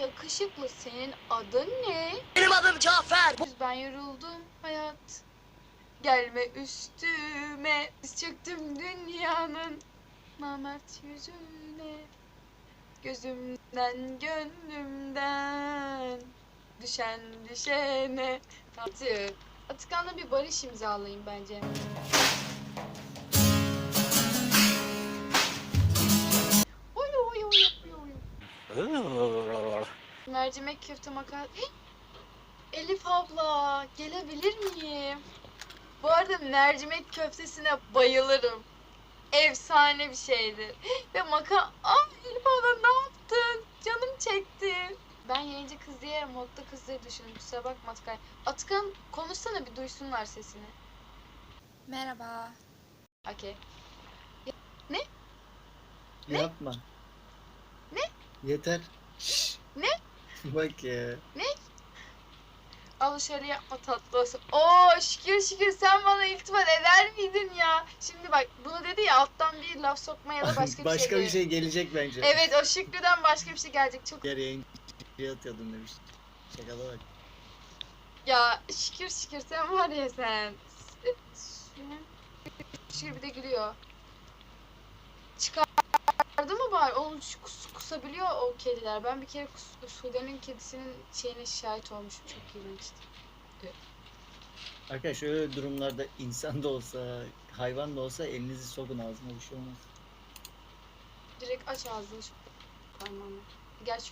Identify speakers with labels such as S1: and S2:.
S1: yakışıklı, senin adın ne?
S2: Benim adım Cafer.
S1: Ben yoruldum hayat. Gelme üstüme. Çöktüm dünyanın namert yüzüne. Gözümden gönlümden düşen düşene. Atakan'la bir barış imzalayayım bence. Oy oy oy oy oy. Mercimek köfte makarna. Elif abla, gelebilir miyim? Bu arada mercimek köftesine bayılırım. Efsane bir şeydir. Ve Elif abla ne yaptın? Canım çekti. Ben yayıncı kız diye modda kız diye düşündüm. Kusura bakma Atakan. Atakan konuşsana, bir duysunlar sesini.
S3: Merhaba.
S1: Okey. Ne?
S4: Yapma.
S1: Ne?
S4: Yeter. Şşş.
S1: Ne?
S4: Bak ya.
S1: Al şöyle yapma tatlı olsun. Oo şükür şükür, sen bana iltifat eder miydin ya? Şimdi bak, bunu dedi ya, alttan bir laf sokma ya da başka bir şey.
S4: bir şey gelecek bence.
S1: Evet, o Şükrü'den başka bir şey gelecek. Çok
S4: Diğer yayıncıya atıyordum demiş. Şakala bak.
S1: ya, şükür şükür, sen var ya sen. Şükür bir de gülüyor. Çıkardı mı bari? Oğlum kusabiliyor o kediler. Ben bir kere Sude'nin kedisinin şeyine şahit olmuşum. Çok iğrençti.
S4: Arkadaşlar öyle durumlarda insan da olsa, hayvan da olsa elinizi sokun ağzına, bir şey olmaz.
S1: Direkt aç ağzını şu parmağını. Gerçi